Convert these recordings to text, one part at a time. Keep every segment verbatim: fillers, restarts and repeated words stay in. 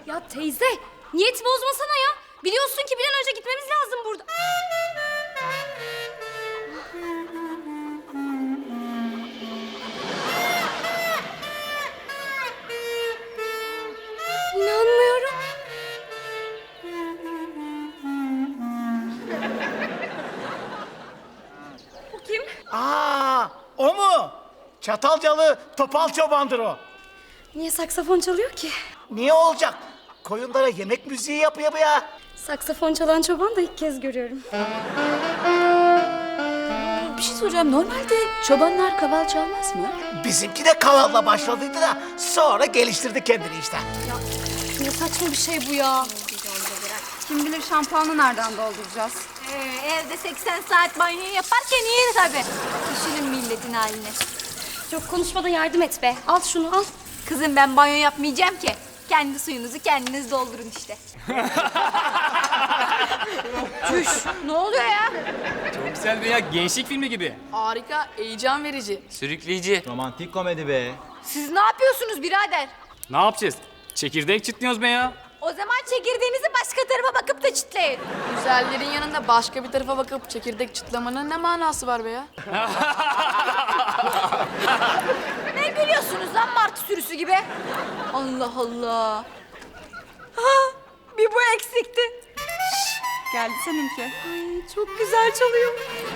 Ya teyze, niyet bozmasana ya. Biliyorsun ki bir an önce gitmemiz lazım burada. İnanmıyorum. Bu kim? Aa, o mu? Çatalcalı Topal Çoban'dır o. Niye saksafon çalıyor ki? Niye olacak? Koyunlara yemek müziği yapıyor bu ya. Saksafon çalan çoban da ilk kez görüyorum. Bir şey soracağım. Normalde çobanlar kaval çalmaz mı? Bizimki de kavalla başladıydı da sonra geliştirdi kendini işte. Ya ne saçma bir şey bu ya. Kim bilir şampuanı nereden dolduracağız? Ee, evde seksen saat banyo yaparken iyi tabii. Düşünün milletin haline. Çok konuşmadan yardım et be. Al şunu al. Kızım ben banyo yapmayacağım ki. Kendi suyunuzu kendiniz doldurun işte. Çüş, ne oluyor ya? Çok güzel veya gençlik filmi gibi. Harika, heyecan verici. Sürükleyici. Romantik komedi be. Siz ne yapıyorsunuz birader? Ne yapacağız? Çekirdek çitliyoruz be ya. O zaman çekirdeğinizi başka tarafa bakıp da çitleyin. Güzellerin yanında başka bir tarafa bakıp çekirdek çıtlamanın ne manası var be ya? Ne gülüyorsunuz lan martı sürüsü gibi? Allah Allah. Ha, bir bu eksikti. Geldi seninki. Ay, çok güzel çalıyor.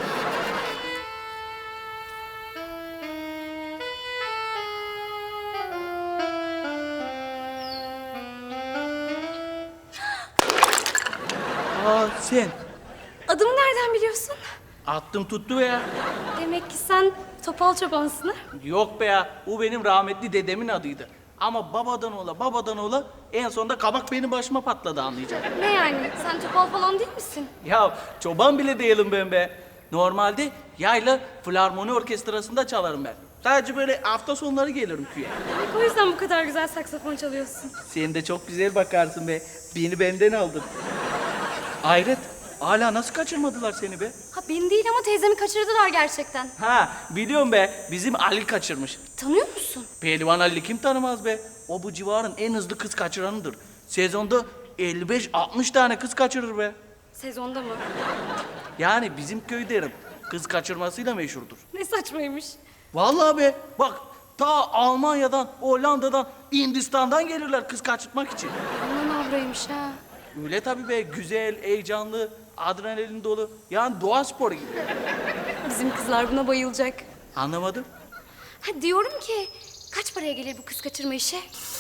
Aa sen. Adımı nereden biliyorsun? Attım tuttu be ya. Demek ki sen topal çobansın ha? Yok be ya. O benim rahmetli dedemin adıydı. Ama babadan ola babadan ola en sonunda kabak benim başıma patladı anlayacağım. Ne yani? Sen topal falan değil misin? Ya çoban bile değilim ben be. Normalde yayla filarmoni orkestrasında çalarım ben. Sadece böyle hafta sonları gelirim köye. Demek o yüzden bu kadar güzel saksafon çalıyorsun. Sen de çok güzel bakarsın be. Beni benden aldın. Hayret. Hala nasıl kaçırmadılar seni be? Ha beni değil ama teyzemi kaçırdılar gerçekten. Ha biliyorum be. Bizim Ali kaçırmış. Tanıyor musun? Pehlivan Ali kim tanımaz be? O bu civarın en hızlı kız kaçıranıdır. Sezonda elli beş altmış tane kız kaçırır be. Sezonda mı? Yani bizim köy derim. Kız kaçırmasıyla meşhurdur. Ne saçmaymış. Vallahi be bak ta Almanya'dan, Hollanda'dan, Hindistan'dan gelirler kız kaçırtmak için. Aman avraymış ha. Öyle tabii be güzel, heyecanlı, adrenalin dolu. Yani doğa sporu gibi. Bizim kızlar buna bayılacak. Anlamadım. Ha diyorum ki kaç paraya gelir bu kız kaçırma işi?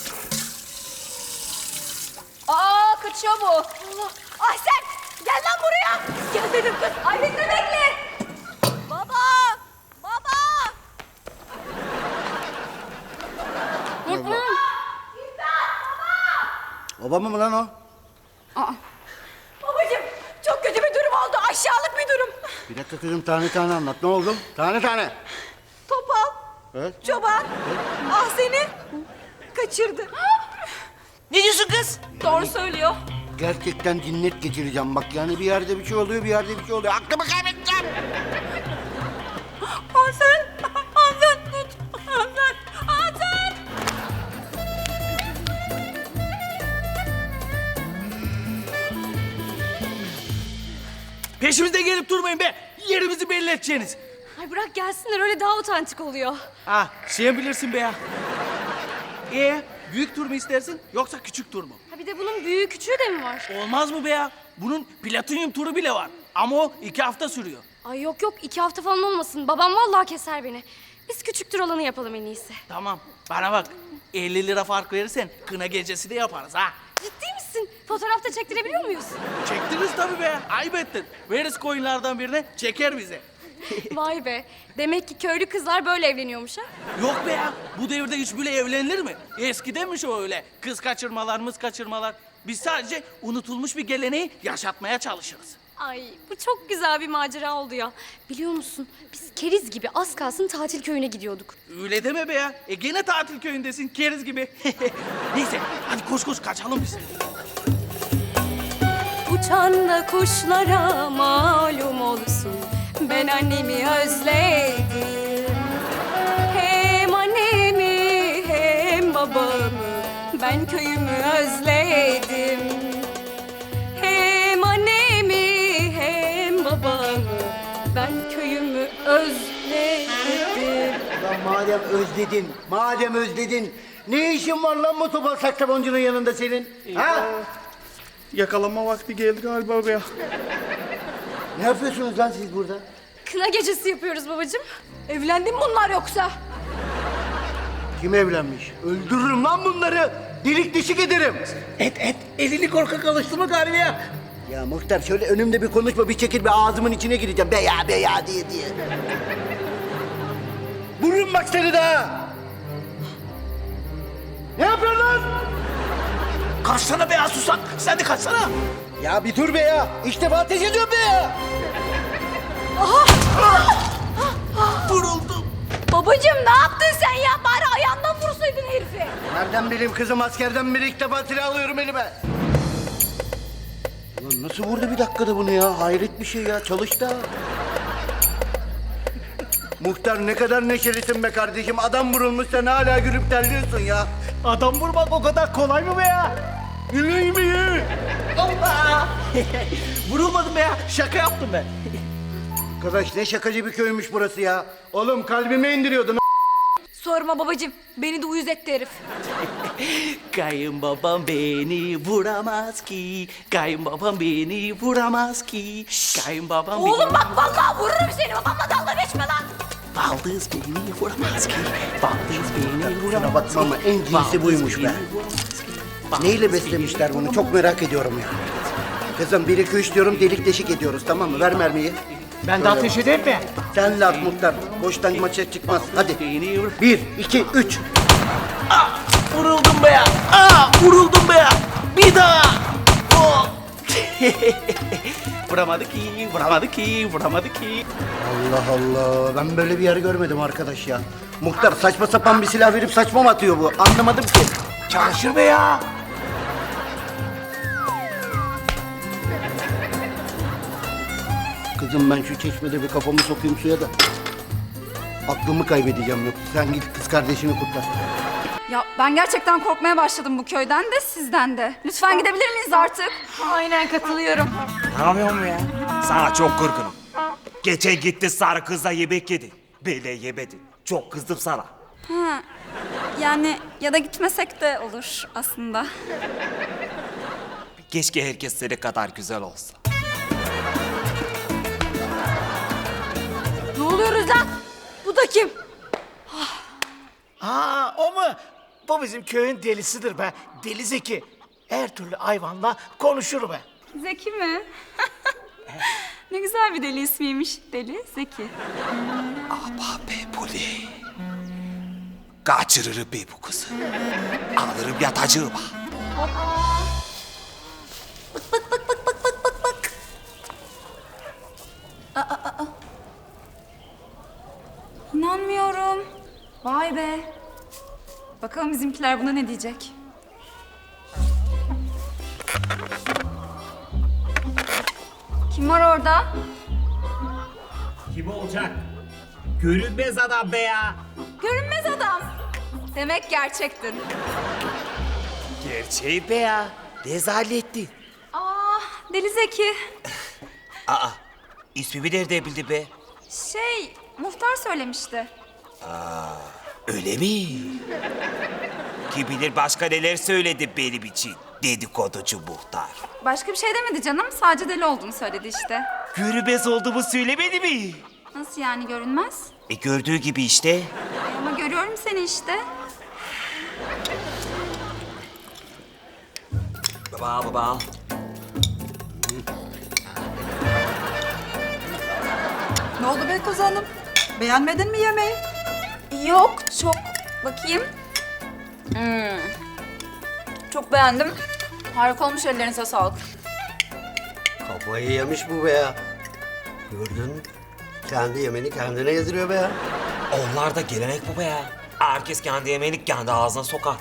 Aa kaçıyor bu. Allah. Ay sen gel lan buraya. Gel dedim kız. Ay beni de bekle. Baba. Baba. Babam mı lan o? Babacığım çok kötü bir durum oldu. Aşağılık bir durum. Bir dakika kızım tane tane anlat. Ne oldu? Tane tane. Topal. Evet. Çoban. Ah seni kaçırdı. Ne diyorsun kız? Doğru söylüyor. Gerçekten cinnet geçireceğim bak. Yani bir yerde bir şey oluyor, bir yerde bir şey oluyor. Aklımı kaybedeceğim. Hasan. Hasan tut. Hasan. Hasan. Peşimizde gelip durmayın be. Yerimizi belli edeceksiniz. Ay bırak gelsinler öyle daha otantik oluyor. Ha sen bilirsin be ya. Ee, büyük tur mu istersin yoksa küçük tur mu? Ha bir de bunun büyüğü küçüğü de mi var? Olmaz mı be ya? Bunun platinyum turu bile var. Ama o iki hafta sürüyor. Ay yok yok iki hafta falan olmasın. Babam vallahi keser beni. Biz küçük tur olanı yapalım en iyisi. Tamam bana bak. elli lira fark verirsen kına gecesi de yaparız ha. Ciddi misin? Fotoğrafta çektirebiliyor muyuz? Çektiniz tabii be. Ayıp ettin. Veririz koyunlardan birine çeker bize. Vay be. Demek ki köylü kızlar böyle evleniyormuş ha? Yok be ya. Bu devirde hiç bile evlenilir mi? Eskidenmiş o öyle. Kız kaçırmalar, mız kaçırmalar. Biz sadece unutulmuş bir geleneği yaşatmaya çalışırız. Ay bu çok güzel bir macera oldu ya. Biliyor musun biz keriz gibi az kalsın tatil köyüne gidiyorduk. Öyle deme be ya. E gene tatil köyündesin keriz gibi. Neyse hadi koş koş kaçalım biz. Uçan da kuşlara malum olsun. Ben annemi özledim. Hem annemi hem babamı ben köyümü özledim. özledin, madem özledin, ne işin var lan bu topal saksafoncunun yanında senin? Ha? Yakalanma vakti geldi galiba be ya. Ne yapıyorsunuz lan siz burada? Kına gecesi yapıyoruz babacığım. Evlendi mi bunlar yoksa? Kim evlenmiş? Öldürürüm lan bunları. Delik deşik ederim. Et et elini korkak alıştırma galiba ya. Ya muhtar şöyle önümde bir konuşma, bir çekil, bir ağzımın içine gireceğim. Be ya be ya diye diye. Vururum bak seni daha. Ne yapıyorsun lan? Kaçsana be ya susak. Sen de kaçsana. Ya bir dur be ya. İlk defa ateş ediyorum be ya. Vuruldum. Babacığım ne yaptın sen ya? Bari ayağından vursaydın herifi. Nereden bileyim kızım, askerden beri ilk defa silah alıyorum elime. Ulan nasıl vurdu bir dakikada bunu ya? Hayret bir şey ya. Çalıştı ha. Muhtar ne kadar neşelisin be kardeşim. Adam vurulmuş, sen hala gülüp terliyorsun ya. Adam vurmak o kadar kolay mı be ya? Yüreği mi ye? Allah! Vurulmadım be ya. Şaka yaptım ben. Arkadaş ne şakacı bir köymüş burası ya. Oğlum kalbime indiriyordun. Sorma babacığım. Beni de uyuz etti herif. Kayınbabam beni vuramaz ki. Kayınbabam beni vuramaz ki. Kayınbabam Oğlum bak vallahi vururum seni. Babamla dalga geçme lan. Baldız beni vuramaz ki. Baldız beni vuramaz Şuna bakma ama en cinsi Baldız buymuş beni be. vuramaz ki. Baldız Neyle beni beslemişler bunu? vuramaz Çok merak ediyorum ya. Kızım bir iki üç diyorum, delik deşik ediyoruz, tamam mı? Ver mermiyi. Ben de ateş edeyim mi? Sen de at muhtar. Boştan maça çıkmaz. Hadi. Beni vur. Bir, iki, üç. Ah! Vuruldum be ya. Ah! Vuruldum be ya. Bir daha. Oh! Vuramadı ki, vuramadı ki, vuramadı ki. Allah Allah. Ben böyle bir yer görmedim arkadaş ya. Muhtar saçma sapan bir silah verip saçma mı atıyor bu? Anlamadım ki. Çalışır be ya. Kızım ben şu çeşmede bir kafamı sokayım suya da. Aklımı kaybedeceğim yok. Sen git kız kardeşini kurtar. Ya ben gerçekten korkmaya başladım bu köyden de sizden de. Lütfen gidebilir miyiz artık? Aynen katılıyorum. Ne yapıyorsun ya? Sana çok kırgınım. Geçen gitti sarı kızla yemek yedi. Böyle yemedi. Çok kızdım sana. Ha, yani ya da gitmesek de olur aslında. Keşke herkes senin kadar güzel olsa. Ne oluyoruz lan? Bu da kim? Ha o mu? Bu bizim köyün delisidir be. Deli Zeki. Her türlü hayvanla konuşur be. Zeki mi? Ne güzel bir deli ismiymiş. Deli Zeki. Ah be Poli. Kaçırırım be bu kızı. Alırım yatacığıma. İnanmıyorum. Vay be. Bakalım bizimkiler buna ne diyecek? Kim var orada? Kim olacak? Görünmez adam be ya. Görünmez adam. Demek gerçektin. Gerçeği be ya. Rezalettin. Aa, Deli Zeki. Aa, ismimi nereden bildi be? Şey, muhtar söylemişti. Öyle mi? Kim bilir başka neler söyledi benim için. Dedikoducu muhtar. Başka bir şey demedi canım. Sadece deli olduğunu söyledi işte. Görünmez olduğumu söylemedi mi? Nasıl yani görünmez? E gördüğü gibi işte. E, ama görüyorum seni işte. Baba baba. Ne oldu Beykoz Hanım? Beğenmedin mi yemeği? Yok, çok. Bakayım. Hmm. Çok beğendim. Harika olmuş, ellerinize sağlık. Kafayı yemiş bu be ya. Gördün mü? Kendi yemeni kendine yediriyor be ya. Onlar da gelenek bu be ya. Herkes kendi yemeğini kendi ağzına sokar.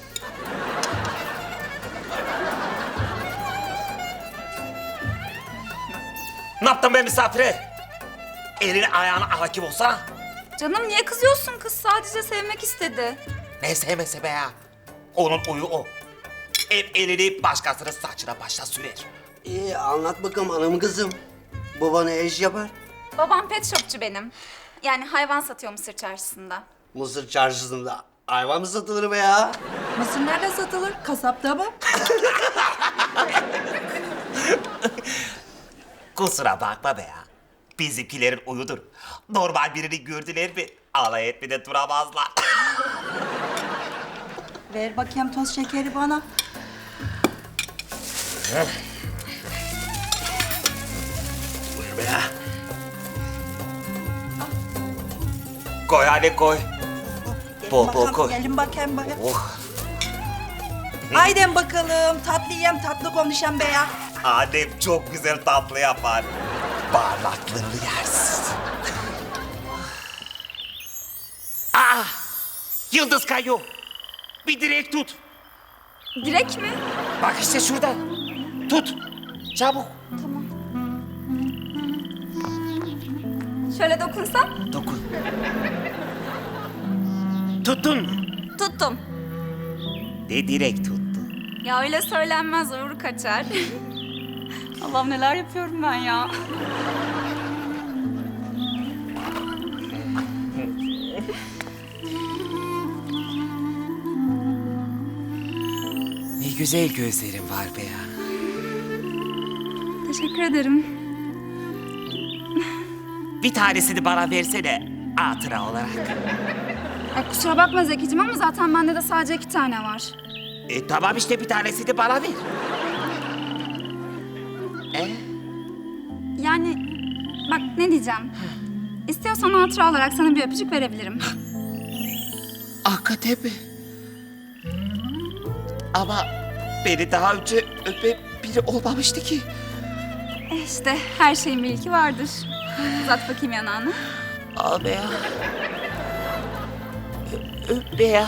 Ne yaptın be misafire? Elini ayağına hakim olsana. Canım niye kızıyorsun? Kız sadece sevmek istedi. Ne sevmese be ya. Onun uyu o. Hep elini başkasının saçına başına sürer. İyi anlat bakalım hanım kızım. Bu bana eş yapar. Babam pet shopçu benim. Yani hayvan satıyor Mısır çarşısında. Mısır çarşısında hayvan mı satılır be ya? Mısır nerede satılır? Kasapta mı? Kusura bakma be ya. Bizimkilerin uyudur. Normal birini gördüler mi alay etmeden duramazlar. Ver bakayım toz şekeri bana. Buyur be ya. Koy hadi koy. Gelin Bol bol bakalım, koy. Gelin bakayım bana. Oh. Haydi bakalım tatlı yiyem tatlı konuşan be ya. Annem çok güzel tatlı yapar. Bağırlaklarını yersin. Ah! Yıldız kayıyor. Bir direk tut. Direk mi? Bak işte şurada. Tut. Çabuk. Şöyle dokunsam? Dokun. Tuttun mu? Tuttum. Ne direk tuttu? Ya öyle söylenmez, uğur kaçar. Allah'ım neler yapıyorum ben ya. Ne güzel gözlerin var be ya. Teşekkür ederim. Bir tanesini bana versene hatıra olarak. Ya kusura bakma Zekicim ama zaten bende de sadece iki tane var. E tamam işte bir tanesini bana ver. E? Yani bak ne diyeceğim. İstiyorsan hatıra olarak sana bir öpücük verebilirim. Hakikaten mi? Ama beni daha önce öpen biri olmamıştı ki. E işte her şeyin bir ilki vardır. Uzat bakayım yanağını. Al be ya. Ö- Öp be ya.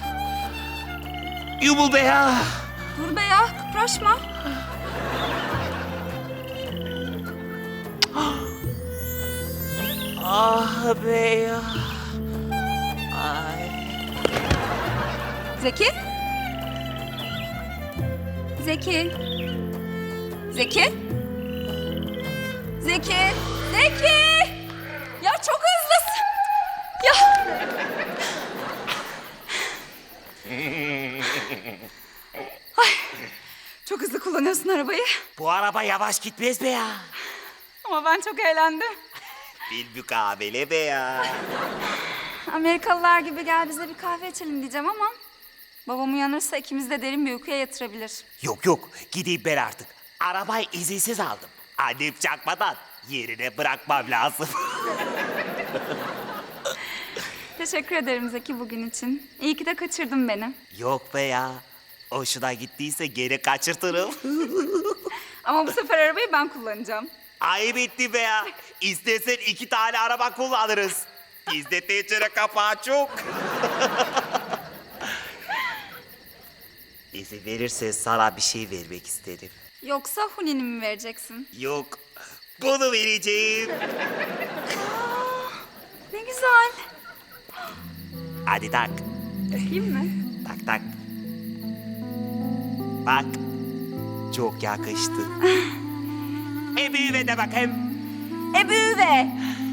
Yumul be ya. Dur be ya, kıpraşma. Ah be ya. Ay. Zeki? Zeki? Zeki? Zeki? Zeki! Ya çok hızlısın. Ya. Ay, çok hızlı kullanıyorsun arabayı. Bu araba yavaş gitmez be ya. Ama ben çok eğlendim. Bir mukabele be ya. Amerikalılar gibi gel bize bir kahve içelim diyeceğim ama... babam uyanırsa ikimiz de derin bir uykuya yatırabilir. Yok yok gideyim ben artık. Arabayı izinsiz aldım. Annem çakmadan yerine bırakmam lazım. Teşekkür ederim Zeki bugün için. İyi ki de kaçırdın beni. Yok be ya. Hoşuna gittiyse geri kaçırtırım. Ama bu sefer arabayı ben kullanacağım. Ayıp etti be ya. İstersen iki tane araba kullanırız. Bizde tencere kapağı çok. İzin verirsen sana bir şey vermek isterim. Yoksa Huni'ni mi vereceksin? Yok. Bunu vereceğim. Ne güzel. Hadi tak. Takayım mı? Tak tak. Bak. Çok yakıştı. E büyüme de bakayım. E büyüve.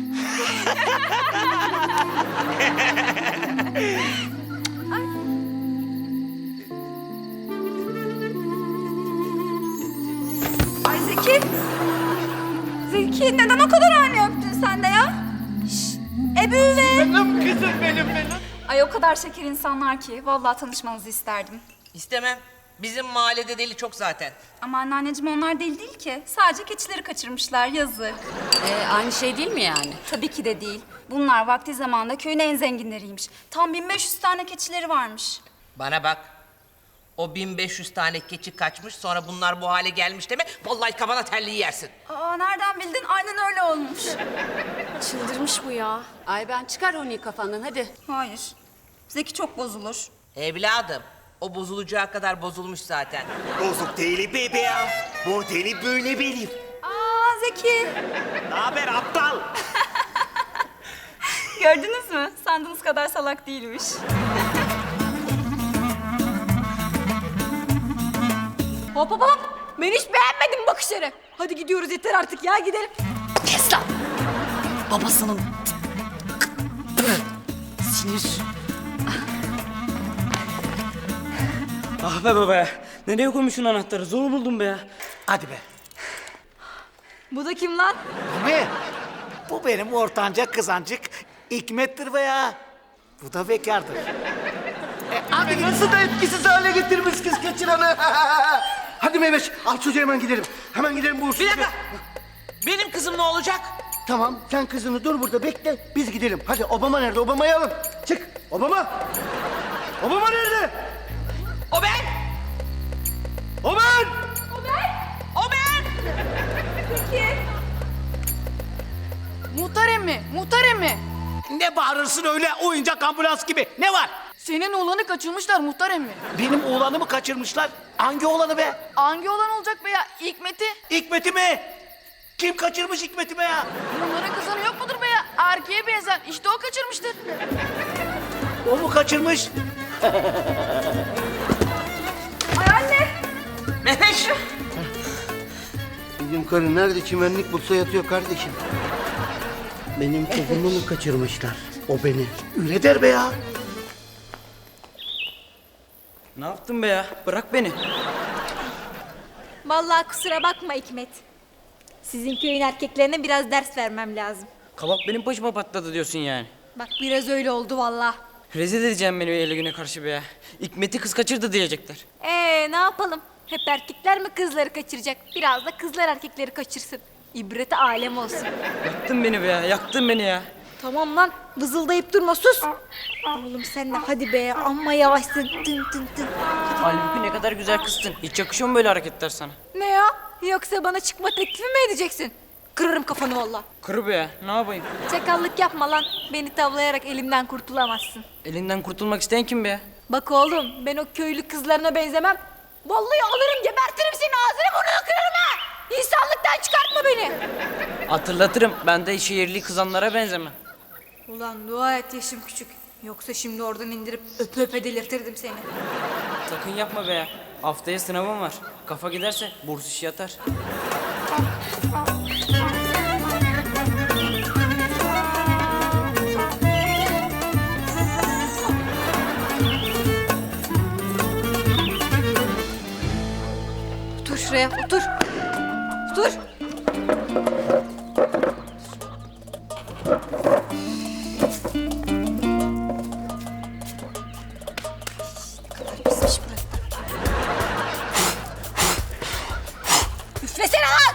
Ay Zeki. Zeki neden o kadar ani öptün sen de ya? Şşş. E büyüve. Benim kızım benim benim. Ay o kadar şeker insanlar ki vallahi tanışmanızı isterdim. İstemem. Bizim mahallede deli çok zaten. Ama anneanneciğim onlar deli değil ki. Sadece keçileri kaçırmışlar yazık. Ee, aynı şey değil mi yani? Tabii ki de değil. Bunlar vakti zamanında köyün en zenginleriymiş. Tam bin beş yüz tane keçileri varmış. Bana bak. O bin beş yüz tane keçi kaçmış sonra bunlar bu hale gelmiş deme. Vallahi kafana terliği yersin. Aa nereden bildin? Aynen öyle olmuş. Çıldırmış bu ya. Ay ben çıkar onu kafandan hadi. Hayır. Zeki çok bozulur. Evladım. O bozulacağı kadar bozulmuş zaten. Bozuk değilim be be ya. Modeli böyle benim. Aa Zeki. Ne haber aptal? Gördünüz mü? Sandığınız kadar salak değilmiş. Hop hop hop. Ben hiç beğenmedim bakışları. Hadi gidiyoruz yeter artık ya gidelim. Kes lan! Babasının misiniz? Ah be baba ya. Nereye koymuşsun anahtarı? Zor buldum be ya. Hadi be. Bu da kim lan? Ne? Bu benim ortanca kızancık Hikmet'tir be ya. Bu da bekardır. Abi nasıl da etkisiz hale getirmiş kız kaçıranı. Hadi Mehmet al çocuğu hemen gidelim. Hemen gidelim bu uğursuz. Bir dakika. Benim kızım ne olacak? Tamam sen kızını dur burada bekle biz gidelim. Hadi Obama nerede? Obama'yı alın. Çık Obama. Obama nerede? O ben. O ben. O ben. Muhtar emmi, muhtar emmi. Ne bağırırsın öyle oyuncak ambulans gibi? Ne var? Senin oğlanı kaçırmışlar muhtar emmi. Benim oğlanımı kaçırmışlar. Hangi oğlanı be? Hangi oğlan olacak be ya? Hikmet'i. Hikmet'i mi? Kim kaçırmış Hikmet'i be ya? Bunların kızını yok mudur be ya? Erkeğe benzer. İşte o kaçırmıştır. O mu kaçırmış? Ay anne. Mehmet. Bizim karı nerede çimenlik bulsa yatıyor kardeşim. Benim kızımı mı kaçırmışlar? O beni. Öyle der be ya. Ne yaptın be ya? Bırak beni. Vallahi kusura bakma Hikmet. Sizin köyün erkeklerine biraz ders vermem lazım. Kabak benim başıma patladı diyorsun yani. Bak biraz öyle oldu vallahi. Rezil edeceğim beni öyle güne karşı be ya. Hikmet'i kız kaçırdı diyecekler. Ee ne yapalım? Hep erkekler mi kızları kaçıracak? Biraz da kızlar erkekleri kaçırsın. İbreti alem olsun. Yaktın beni be ya. Yaktın beni ya. Tamam lan vızıldayıp durma sus. Oğlum sen de hadi be amma yavaşsın tın tın tın. Halbuki ne kadar güzel kızsın. Hiç yakışıyor mu böyle hareketler sana? Ne ya? Yoksa bana çıkma teklifi mi edeceksin? Kırarım kafanı valla. Kır be ya. Ne yapayım? Çakallık yapma lan. Beni tavlayarak elimden kurtulamazsın. Elinden kurtulmak isteyen kim be ya? Bak oğlum ben o köylü kızlarına benzemem. Vallahi alırım gebertirim seni ağzını burnunu kırarım ha. İnsanlıktan çıkartma beni. Hatırlatırım. Ben de şehirli kızanlara benzemem. Ulan dua et yaşım küçük. Yoksa şimdi oradan indirip öpe öpe delirtirdim seni. Sakın yapma be ya. Haftaya sınavım var. Kafa giderse burs işi yatar. Otur şuraya otur. Otur. Üflesene lan!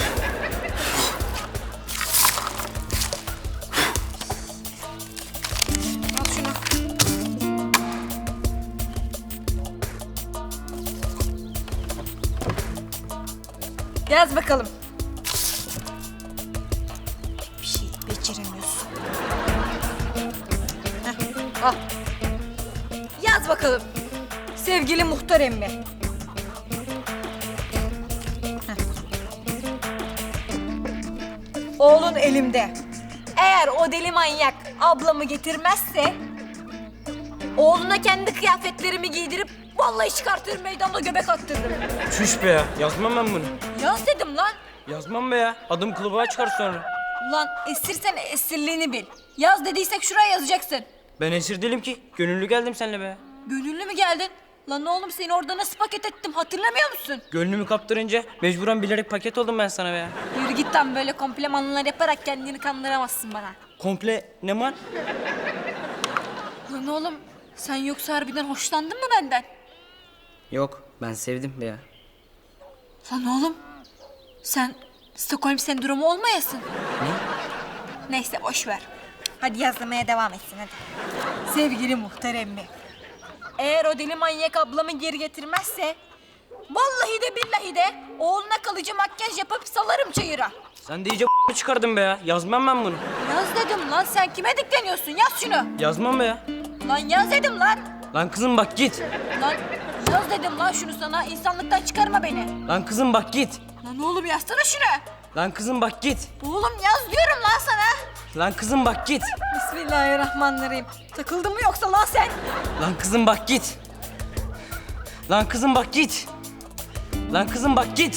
Al şunu. Yaz bakalım. Bir şey beceremiyorsun. Heh, al. Yaz bakalım. Sevgili muhtar emmi. Oğlun elimde. Eğer o deli manyak ablamı getirmezse... ...oğluna kendi kıyafetlerimi giydirip... ...vallahi çıkartırım meydanda göbek attırırım. Çüş be ya. Yazmam ben bunu. Yaz dedim lan. Yazmam be ya. Adım kılıbığa çıkar sonra. Ulan esirsen esirliğini bil. Yaz dediysek şuraya yazacaksın. Ben esir değilim ki. Gönüllü geldim seninle be. Gönüllü mü geldin? Lan oğlum seni orada nasıl paket ettim hatırlamıyor musun? Gönlümü kaptırınca mecburen bilerek paket oldum ben sana be ya. Yürü git lan böyle komplimanlar yaparak kendini kandıramazsın bana. Komple ne man? Lan oğlum sen yoksa harbiden hoşlandın mı benden? Yok ben sevdim be ya. Lan oğlum sen Stockholm sendromu olmayasın. Ne? Neyse boş ver. Hadi yazmaya devam etsin hadi. Sevgili muhtar emmi. Eğer o deli manyak ablamı geri getirmezse... ...vallahi de billahi de oğluna kalıcı makyaj yapıp salarım çayıra. Sen de iyice çıkardın be ya. Yazmam ben bunu. Yaz dedim lan sen kime dikleniyorsun yaz şunu. Yazmam be ya. Lan yaz dedim lan. Lan kızım bak git. Lan yaz dedim lan şunu sana insanlıktan çıkarma beni. Lan kızım bak git. Lan oğlum yazsana şunu. Lan kızım bak git. Oğlum yaz diyorum lan sana. Lan kızım bak git. Bismillahirrahmanirrahim. Takıldın mı yoksa lan sen? Lan kızım bak git. Lan kızım bak git. Lan kızım bak git.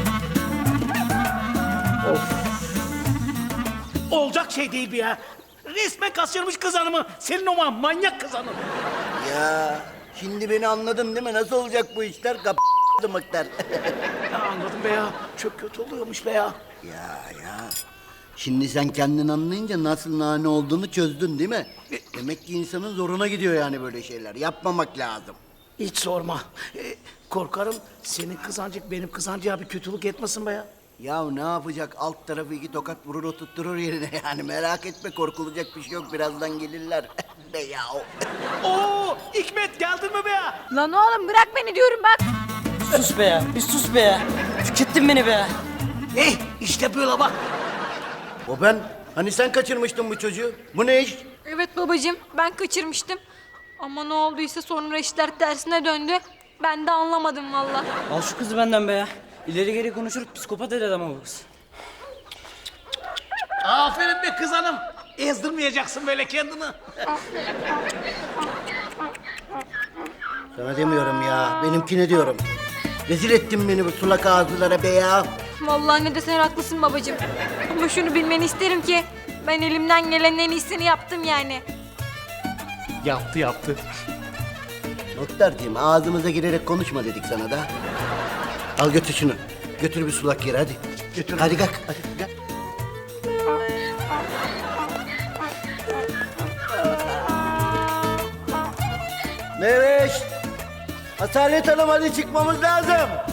Olacak şey değil bu ya. Resmen kaçırmış kız hanımı. Senin o ma- manyak kız hanım. Ya şimdi beni anladın değil mi? Nasıl olacak bu işler? Kap mıktar. Ya anladım be ya. Çok kötü oluyormuş be ya. Ya ya. Şimdi sen kendin anlayınca nasıl nane olduğunu çözdün değil mi? Demek ki insanın zoruna gidiyor yani böyle şeyler. Yapmamak lazım. Hiç sorma. Ee, korkarım senin kızancık benim kızancığa bir kötülük etmesin be ya. Ya ne yapacak? Alt tarafı iki tokat vurur oturtturur yerine yani. Merak etme, korkulacak bir şey yok. Birazdan gelirler. Be ya. Oo, Hikmet geldin mi be ya? Lan oğlum bırak beni diyorum bak. Sus be ya, bir sus be ya. Tükettin beni be ya. Eh işte böyle bak. O ben. Hani sen kaçırmıştın bu çocuğu? Bu ne iş? Evet babacığım ben kaçırmıştım. Ama ne olduysa sonra işler tersine döndü. Ben de anlamadım valla. Al şu kızı benden be ya. İleri geri konuşur, psikopat eder ama bu kız. Aferin be kız hanım. Ezdirmeyeceksin böyle kendini. Sana demiyorum ya. Benimkine diyorum. Rezil ettin beni bu sulak ağızlılara be ya. Vallahi ne desen haklısın babacığım. Ama şunu bilmeni isterim ki ben elimden gelenin en iyisini yaptım yani. Yaptı yaptı. Muhtarcığım ağzımıza girerek konuşma dedik sana da. Al götür şunu. Götür bir sulak yere hadi. Götür. Hadi kalk. Hadi kalk. Meveş. Asalet Hanım hadi çıkmamız lazım.